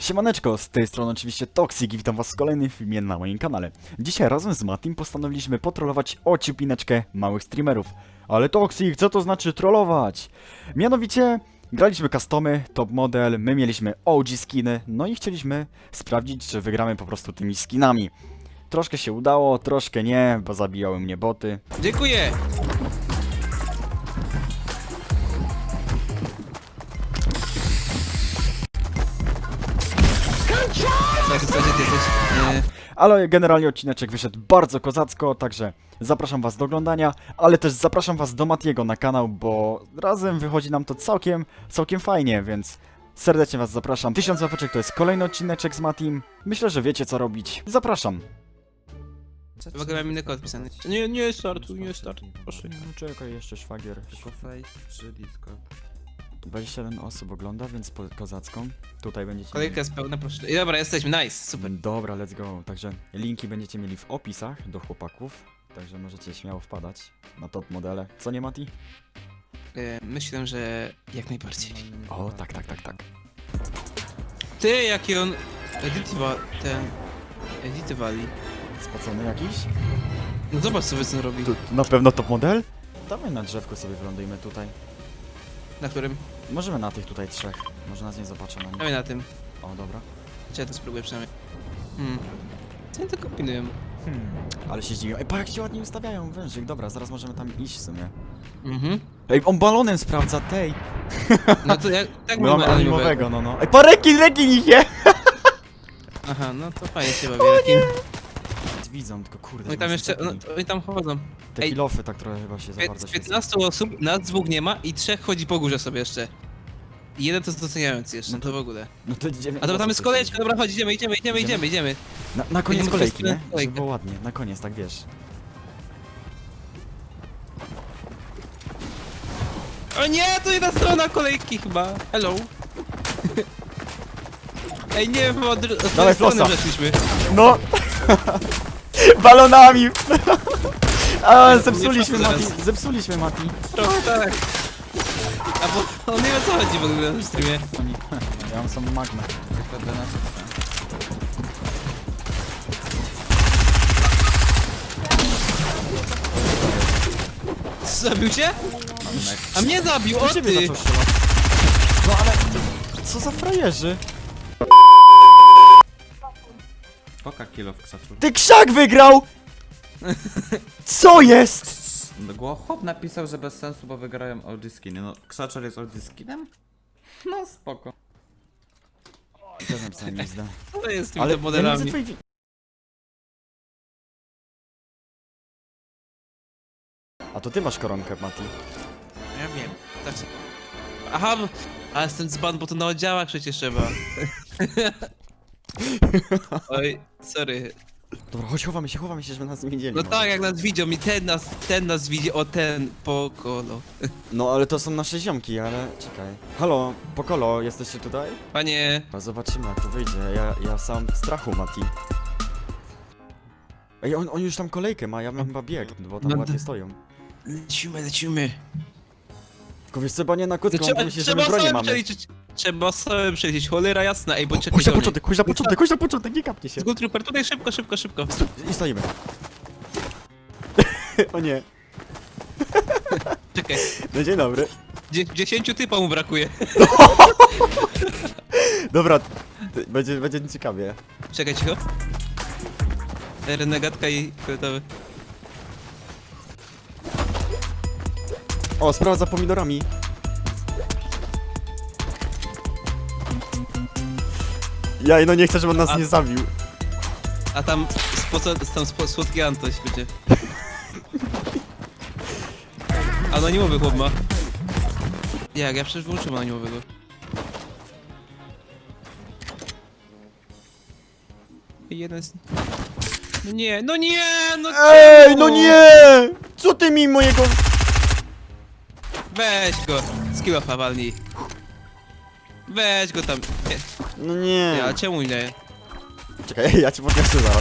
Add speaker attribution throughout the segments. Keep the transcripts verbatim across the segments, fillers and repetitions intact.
Speaker 1: Siemaneczko, z tej strony oczywiście Toxic i witam was w kolejnym filmie na moim kanale. Dzisiaj razem z Matim postanowiliśmy potrollować ociupineczkę małych streamerów. Ale Toxic, co to znaczy trollować? Mianowicie, graliśmy customy, top model, my mieliśmy O G skiny, no i chcieliśmy sprawdzić, czy wygramy po prostu tymi skinami. Troszkę się udało, troszkę nie, bo zabijały mnie boty.
Speaker 2: Dziękuję! Tak, w zasadzie ty jesteś... Nie.
Speaker 1: Ale generalnie odcineczek wyszedł bardzo kozacko, także zapraszam was do oglądania, ale też zapraszam was do Matiego na kanał, bo razem wychodzi nam to całkiem, całkiem fajnie, więc serdecznie was zapraszam. Tysiąc łapeczek to jest kolejny odcineczek z Matim. Myślę, że wiecie co robić. Zapraszam.
Speaker 2: W ogóle mam inny kod pisany. Nie, nie startuj, nie startuj, proszę.
Speaker 1: No czekaj, jeszcze szwagier.
Speaker 3: Tylko face czy Discord?
Speaker 1: dwadzieścia jeden osób ogląda, więc po kozacką. Tutaj będziecie
Speaker 2: Kolejka jest pełna, proszę. I dobra, jesteśmy, nice, super.
Speaker 1: Dobra, let's go. Także linki będziecie mieli w opisach do chłopaków. Także możecie śmiało wpadać na top modele. Co nie, Mati?
Speaker 2: E, myślę, że jak najbardziej.
Speaker 1: O, tak, tak, tak, tak.
Speaker 2: Ty, jaki on... Edytywa... ten... Edytywali.
Speaker 1: Spocony jakiś?
Speaker 2: No zobacz, co Wycen robi.
Speaker 1: Tu, na pewno top model? Dawaj na drzewku sobie wylądujmy tutaj.
Speaker 2: Na którym?
Speaker 1: Możemy na tych tutaj trzech. Może nas nie zobaczą na
Speaker 2: Dawaj
Speaker 1: nich.
Speaker 2: na tym.
Speaker 1: O, dobra.
Speaker 2: Czy ja to spróbuję przynajmniej. Hmm. Co oni to kombinują?
Speaker 1: Hmm. Ale się zdziwiłem. Ej, pa jak się ładnie ustawiają wężyk. Dobra, zaraz możemy tam iść w sumie.
Speaker 2: Mhm.
Speaker 1: Ej, on balonem sprawdza, tej.
Speaker 2: No to jak... Tak
Speaker 1: My mamy
Speaker 2: mamy
Speaker 1: animowego, no no. Ej, pa rekin, rekin ich je!
Speaker 2: Aha, no to fajnie się bawi. Jakim...
Speaker 1: Widzą, tylko kurde.
Speaker 2: Oni
Speaker 1: że
Speaker 2: tam
Speaker 1: nas
Speaker 2: jeszcze... No,
Speaker 1: zaczepili.
Speaker 2: oni tam chodzą.
Speaker 1: Te
Speaker 2: ej.
Speaker 1: kilofy tak trochę chyba się za bardzo
Speaker 2: Z
Speaker 1: świecą.
Speaker 2: piętnastu osób, nas dwóch nie ma i trzech chodzi po górze sobie jeszcze. I jeden to jest doceniający jeszcze,
Speaker 1: No
Speaker 2: to w ogóle.
Speaker 1: No to idziemy.
Speaker 2: A dobra, tam jest kolejeczka, dobra, chodź, idziemy, idziemy, idziemy, idziemy, idziemy.
Speaker 1: Na, na koniec
Speaker 2: Idziemy
Speaker 1: kolejki,
Speaker 2: przez
Speaker 1: nie?
Speaker 2: kolejkę.
Speaker 1: Żeby było ładnie, na koniec, tak wiesz.
Speaker 2: O nie, to jedna strona kolejki chyba. Hello. Ej, nie, bo od, od
Speaker 1: Dawaj
Speaker 2: tej strony
Speaker 1: flosa.
Speaker 2: weszliśmy.
Speaker 1: No! Balonami! A,
Speaker 2: Nie,
Speaker 1: zepsuliśmy
Speaker 2: nie
Speaker 1: Mati,
Speaker 2: teraz.
Speaker 1: zepsuliśmy Mati.
Speaker 2: Trochę tak. A bo on nie wie o co chodzi w ogóle na streamie.
Speaker 1: Oni, ja mam samą magmę.
Speaker 3: Tylko do nas.
Speaker 2: Zabił cię? A mnie zabił, o
Speaker 1: Do ciebie
Speaker 2: ty!
Speaker 1: zaczął strzelać. No ale, co za frajerzy?
Speaker 3: Poka kilo w ksaczu.
Speaker 1: Ty krzak wygrał! Co jest?
Speaker 3: Go chłop napisał, że bez sensu, bo wygrają O G skiny. No, krzaczer jest O G skinem? No spoko.
Speaker 1: Też napisałem pizdę.
Speaker 2: Co to jest z tymi
Speaker 1: Ale
Speaker 2: top
Speaker 1: ja nie widzę
Speaker 2: modelami?
Speaker 1: twojej wi- A to ty masz koronkę, Mati.
Speaker 2: Ja wiem, tak sobie. Aha, bo- ale jestem dzban, bo to na oddziałach przecież trzeba. Oj, sorry.
Speaker 1: Dobra, chodź, chowamy się, chowamy się, żeby nas nie widzieli.
Speaker 2: No
Speaker 1: może.
Speaker 2: tak, jak nas widział, mi ten nas, ten nas widzi, o ten, pokolo.
Speaker 1: No ale to są nasze ziomki, ale czekaj. Halo, Pokolo, jesteście tutaj?
Speaker 2: Panie,
Speaker 1: A zobaczymy jak to wyjdzie. Ja, ja sam w strachu, Mati. Ej, on, on już tam kolejkę ma, ja mam chyba bieg, bo tam
Speaker 2: No
Speaker 1: ładnie
Speaker 2: d-
Speaker 1: stoją.
Speaker 2: lecimy, lecimy.
Speaker 1: Tylko wiesz co, nie na krótko,
Speaker 2: Trzeba,
Speaker 1: on myśli, że
Speaker 2: trzeba
Speaker 1: my broni
Speaker 2: sobie
Speaker 1: mamy.
Speaker 2: przeliczyć, trzeba sobie przeliczyć, cholera jasna, ej, bo czekaj.
Speaker 1: Chodź na
Speaker 2: do mnie.
Speaker 1: początek, chodź na początek, chodź na początek, nie kapnie się.
Speaker 2: Skull Trooper, tutaj szybko, szybko, szybko.
Speaker 1: I stoimy. O nie.
Speaker 2: Czekaj,
Speaker 1: No dzień dobry.
Speaker 2: dzie dziesięciu typa mu brakuje.
Speaker 1: Dobra, ty- będzie, będzie ciekawie.
Speaker 2: Czekaj, cicho. Renegatka i fioletowy.
Speaker 1: O, sprawa za pomidorami. Ja no nie chcę, żeby on nas
Speaker 2: A-
Speaker 1: nie zabił.
Speaker 2: A tam, spoco, tam spo, słodki Antoś będzie. Anonimowy chłop ma. Jak, ja przecież wyłączyłem anonimowego. Jeden z... No nie, no nie, no
Speaker 1: Ej,
Speaker 2: czemu?
Speaker 1: no nie! Co ty mi mojego...
Speaker 2: Weź go, skillofa walnij. Weź go tam. Nie,
Speaker 1: No
Speaker 2: nie,
Speaker 1: nie.
Speaker 2: ale czemu nie?
Speaker 1: Czekaj, ja cię podniosę zaraz.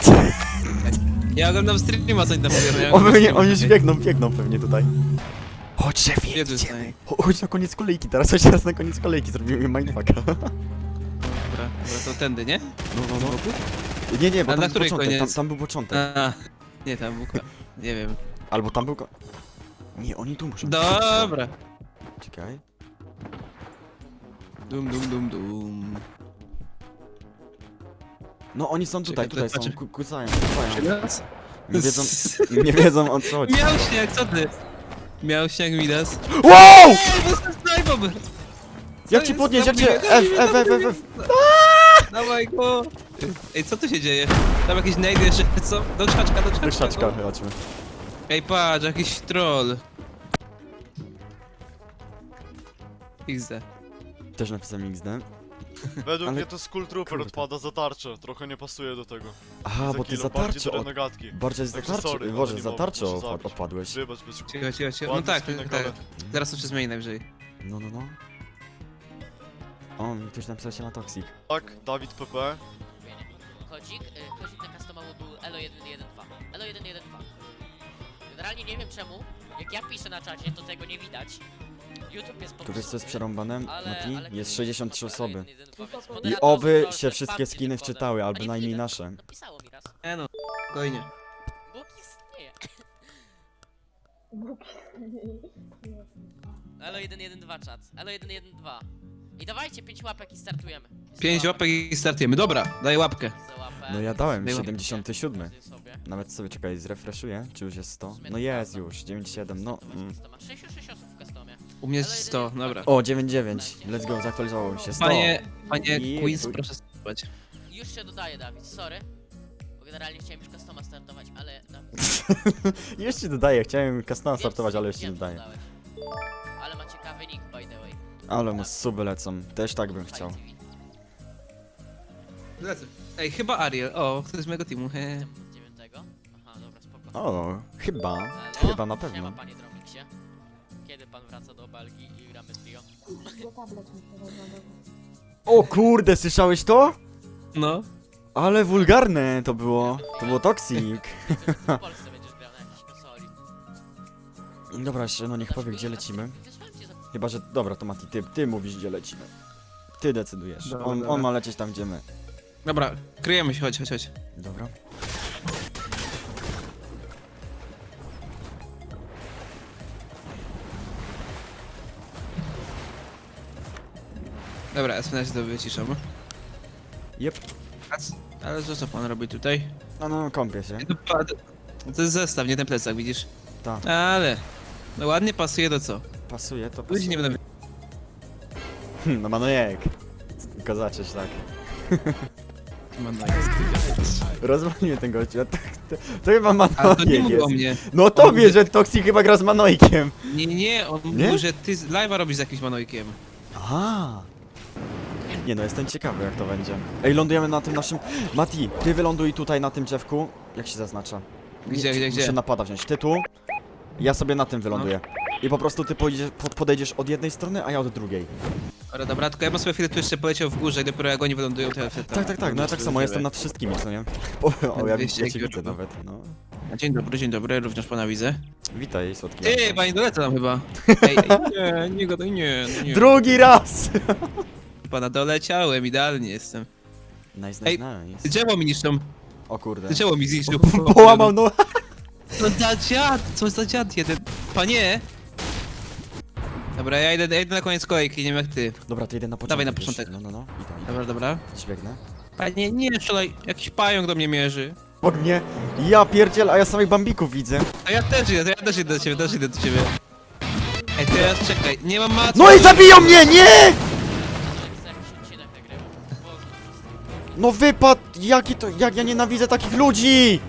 Speaker 2: Ja oglądam streama, co oni tam mówią. Ja
Speaker 1: On,
Speaker 2: oglądam
Speaker 1: pewnie,
Speaker 2: streama,
Speaker 1: oni już
Speaker 2: czekaj.
Speaker 1: biegną, biegną pewnie tutaj. Chodź, szefie,
Speaker 2: Jedę z
Speaker 1: idziemy.
Speaker 2: niej.
Speaker 1: Cho- Chodź na koniec kolejki, teraz chodź teraz na koniec kolejki, zrobimy mindfucka.
Speaker 2: Dobra, dobra, to tędy, nie?
Speaker 1: No, no, no. Nie, nie, bo
Speaker 2: A
Speaker 1: tam
Speaker 2: na
Speaker 1: był
Speaker 2: której
Speaker 1: początek, tam,
Speaker 2: koniec?
Speaker 1: tam był początek.
Speaker 2: A, nie, tam był... ko- Nie wiem.
Speaker 1: Albo tam był... ko- Nie, oni tu muszą...
Speaker 2: Dobra.
Speaker 1: Czekaj.
Speaker 2: Dum, dum, dum, dum.
Speaker 1: No oni są tutaj,
Speaker 2: Czekaj,
Speaker 1: tutaj są,
Speaker 2: patrzę.
Speaker 1: ku- kucają, kucają.
Speaker 2: Raz.
Speaker 1: Nie wiedzą, nie wiedzą o co chodzi.
Speaker 2: Miał śnieg, co ty? Miał śnieg, Midas.
Speaker 1: Wow!
Speaker 2: Ej, bo jestem snajpą!
Speaker 1: Jak ci podnieść, jak cię... F, F, F, F, F.
Speaker 2: Dawaj go! Ej, co tu się dzieje? Tam jakieś najdy jeszcze, co? Do krzaczka, do krzaczka.
Speaker 1: Do krzaczka,
Speaker 2: go.
Speaker 1: chodźmy.
Speaker 2: Ej, patrz, jakiś troll. iks de.
Speaker 1: Też napisałem X D.
Speaker 4: Według
Speaker 1: Ale-
Speaker 4: mnie to Skull Trooper
Speaker 1: kurde.
Speaker 4: odpada za tarczę, trochę nie pasuje do tego.
Speaker 1: Aha,
Speaker 4: Za
Speaker 1: bo ty
Speaker 4: kilo
Speaker 1: za
Speaker 4: bardziej
Speaker 1: tarczę
Speaker 4: do
Speaker 1: od...
Speaker 4: renegatki.
Speaker 1: Bardziej za
Speaker 4: Także
Speaker 1: tarczę,
Speaker 4: sorry,
Speaker 1: Boże,
Speaker 4: ale nie
Speaker 1: za
Speaker 4: mogę,
Speaker 1: tarczę
Speaker 4: muszę
Speaker 1: od-
Speaker 4: zabić.
Speaker 1: odpadłeś.
Speaker 4: Wybacz, bez...
Speaker 2: Cicho, cicho, cicho. No
Speaker 4: Ładny
Speaker 2: tak,
Speaker 4: skinek,
Speaker 2: tak.
Speaker 4: ale-
Speaker 2: Zaraz to się zmieni najwyżej.
Speaker 1: No, no, no. O, mi ktoś napisał się na Toxic.
Speaker 4: Tak, Dawid P P.
Speaker 5: Kodzik, y, kodzik na customowo był elo jeden jeden dwa. elo jeden jeden dwa. Generalnie nie wiem czemu, jak ja piszę na czacie, to tego nie widać. YouTube jest po
Speaker 1: Tu wiesz co jest
Speaker 5: prostu-
Speaker 1: przerąbane,
Speaker 5: ale-
Speaker 1: Mati?
Speaker 5: ale
Speaker 1: Jest
Speaker 5: to
Speaker 1: sześćdziesiąt trzy
Speaker 5: jest
Speaker 1: osoby.
Speaker 5: elo jeden jeden dwa, więc
Speaker 1: I
Speaker 5: moderator
Speaker 1: oby
Speaker 5: proszę,
Speaker 1: się wszystkie
Speaker 5: spamcie
Speaker 1: skiny
Speaker 5: tym kodem.
Speaker 1: wczytały,
Speaker 5: A
Speaker 1: albo
Speaker 5: nie
Speaker 1: najmniej
Speaker 5: wtedy.
Speaker 1: nasze.
Speaker 5: Napisało mi raz.
Speaker 2: E no, spokojnie.
Speaker 5: Bóg istnieje. elo jeden jeden dwa czat. elo jeden jeden dwa. I dawajcie pięć łapek i startujemy.
Speaker 2: Pięć łapek i startujemy. Dobra, daję łapkę.
Speaker 5: Za łapę.
Speaker 1: No ja dałem
Speaker 2: Było.
Speaker 1: siedemdziesiąt siedem.
Speaker 5: Zje sobie.
Speaker 1: Nawet sobie, czekaj, zrefreshuję, czy już jest sto?
Speaker 5: W sumie
Speaker 1: No
Speaker 5: to
Speaker 1: jest
Speaker 5: prawda.
Speaker 1: już, dziewięćdziesiąt siedem, no.
Speaker 5: Custom
Speaker 1: Mm.
Speaker 5: jest customa. sześćdziesiąt sześć osób w customie.
Speaker 2: U mnie jest sto, dobra.
Speaker 1: O, dziewięćdziesiąt dziewięć, let's go, zaktualizowało mi się, sto.
Speaker 2: Panie, panie
Speaker 1: I-
Speaker 2: Queens, proszę spać.
Speaker 5: Już się dodaje, Dawid, sorry. Bo generalnie chciałem już customa startować, ale Dawid...
Speaker 1: Już ci dodaję, chciałem custom
Speaker 5: wiem,
Speaker 1: startować, ale już ci
Speaker 5: wiem, że
Speaker 1: dodaję.
Speaker 5: dodałeś. Ale ma ciekawy nick, by the way.
Speaker 1: Ale mu suby lecą, też tak bym chciał.
Speaker 2: Lecę. Ej, chyba Ariel. O, ktoś z mojego teamu. He.
Speaker 5: Od dziewiątego? Aha, dobra, spoko.
Speaker 1: O, chyba,
Speaker 5: Halo?
Speaker 1: chyba na
Speaker 5: Siema,
Speaker 1: pewno.
Speaker 5: panie Dromiksie. Kiedy pan wraca do Belgii i gramy trio?
Speaker 1: O kurde, słyszałeś to?
Speaker 2: No.
Speaker 1: Ale wulgarne to było, to było toxic.
Speaker 5: W Polsce będziesz grał na jakiejś konsoli.
Speaker 1: Dobra, jeszcze no niech powie gdzie lecimy.
Speaker 5: Wysłałem ci za...
Speaker 1: Chyba, że, dobra to Mati, ty, ty mówisz gdzie lecimy. Ty decydujesz,
Speaker 2: Dobra,
Speaker 1: on,
Speaker 2: dobra.
Speaker 1: on ma lecieć tam gdzie my.
Speaker 2: Dobra, kryjemy się, chodź, chodź, chodź.
Speaker 1: Dobra.
Speaker 2: Dobra, ja sobie to wyciszam.
Speaker 1: Jep.
Speaker 2: A c- Ale co, co pan robi tutaj?
Speaker 1: No, no, kąpię się.
Speaker 2: To, pa- to jest zestaw, nie ten plecak, widzisz?
Speaker 1: Tak.
Speaker 2: Ale... No ładnie pasuje do co?
Speaker 1: Pasuje, to
Speaker 2: Ludzi
Speaker 1: pasuje.
Speaker 2: nie będę...
Speaker 1: Hmm, no Manojek. Tylko zacząć tak. Rozwaliłem ten gościu, a to, to, to chyba
Speaker 2: A to nie
Speaker 1: Manojek
Speaker 2: mówił o
Speaker 1: jest.
Speaker 2: mnie.
Speaker 1: No tobie, że Toxic chyba gra z Manojkiem.
Speaker 2: Nie, nie, on
Speaker 1: Nie?
Speaker 2: mówił, że ty z- live'a robisz z jakimś manojkiem.
Speaker 1: Aha. Nie no, jestem ciekawy jak to będzie. Ej, lądujemy na tym naszym... Mati, ty wyląduj tutaj na tym drzewku. Jak się zaznacza?
Speaker 2: Gdzie, gdzie, gdzie?
Speaker 1: Muszę napada wziąć. Ty tu, ja sobie na tym wyląduję.
Speaker 2: No.
Speaker 1: I po prostu ty pojedziesz, po- podejdziesz od jednej strony, a ja od drugiej.
Speaker 2: Dobra, dobra, tylko ja bym sobie chwilę tu jeszcze poleciał w górze, dopiero jak oni wylądują, to ja wtedy tam-
Speaker 1: Tak, tak, tak, no ja tak samo jestem nad wszystkimi, co nie? O, o ja,
Speaker 2: dwieście
Speaker 1: ja cię
Speaker 2: jak
Speaker 1: widzę
Speaker 2: już
Speaker 1: nawet, no.
Speaker 2: Dzień dobry, dzień dobry, również pana widzę.
Speaker 1: Witaj, słodki.
Speaker 2: Ty,
Speaker 1: Antoś.
Speaker 2: pani dolecę tam chyba. Ej, ej, nie, nie gadaj, nie, no nie.
Speaker 1: Drugi raz!
Speaker 2: Pana doleciałem, idealnie jestem.
Speaker 1: Nice,
Speaker 2: Ej,
Speaker 1: nice, nice.
Speaker 2: Drzewo mi niszczą,
Speaker 1: O kurde.
Speaker 2: drzewo mi zniszczył.
Speaker 1: Połamał, no.
Speaker 2: Co za dziad, co za dziad jeden. Panie! Dobra, ja idę, ja idę na koniec kolejki, nie wiem jak ty.
Speaker 1: Dobra, to idę na początek.
Speaker 2: Dawaj na
Speaker 1: już.
Speaker 2: początek.
Speaker 1: No, no, no, witaj.
Speaker 2: Dobra, dobra.
Speaker 1: Gdzieś biegnę.
Speaker 2: Panie, nie strzelaj, jakiś pająk do mnie mierzy.
Speaker 1: Pod mnie, ja pierdziel, a ja samych bambików widzę.
Speaker 2: A ja też idę, to ja też idę do ciebie, też idę do ciebie. Ej, teraz czekaj, nie mam matki.
Speaker 1: No i zabiją mnie, nie!
Speaker 5: To jest jakiś odcinek nagrywam. Boże.
Speaker 1: No wypad, jaki to, jak ja nienawidzę takich ludzi!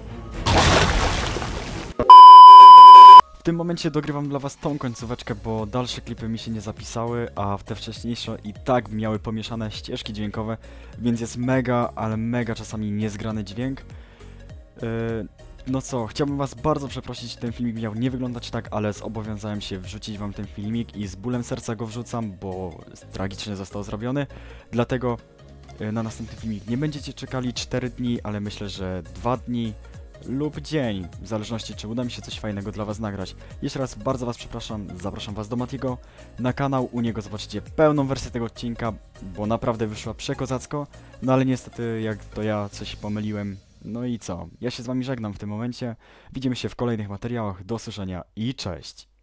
Speaker 1: W tym momencie dogrywam dla was tą końcóweczkę, bo dalsze klipy mi się nie zapisały, a w te wcześniejsze i tak miały pomieszane ścieżki dźwiękowe, więc jest mega, ale mega czasami niezgrany dźwięk. Yy, no co, chciałbym was bardzo przeprosić, ten filmik miał nie wyglądać tak, ale zobowiązałem się wrzucić wam ten filmik i z bólem serca go wrzucam, bo tragicznie został zrobiony, dlatego yy, na następny filmik nie będziecie czekali cztery dni, ale myślę, że dwa dni. lub dzień, w zależności czy uda mi się coś fajnego dla was nagrać. Jeszcze raz bardzo was przepraszam, zapraszam was do Matiego na kanał, u niego zobaczycie pełną wersję tego odcinka, bo naprawdę wyszła przekozacko, no ale niestety jak to ja coś pomyliłem. No i co? Ja się z wami żegnam w tym momencie. Widzimy się w kolejnych materiałach. Do usłyszenia i cześć!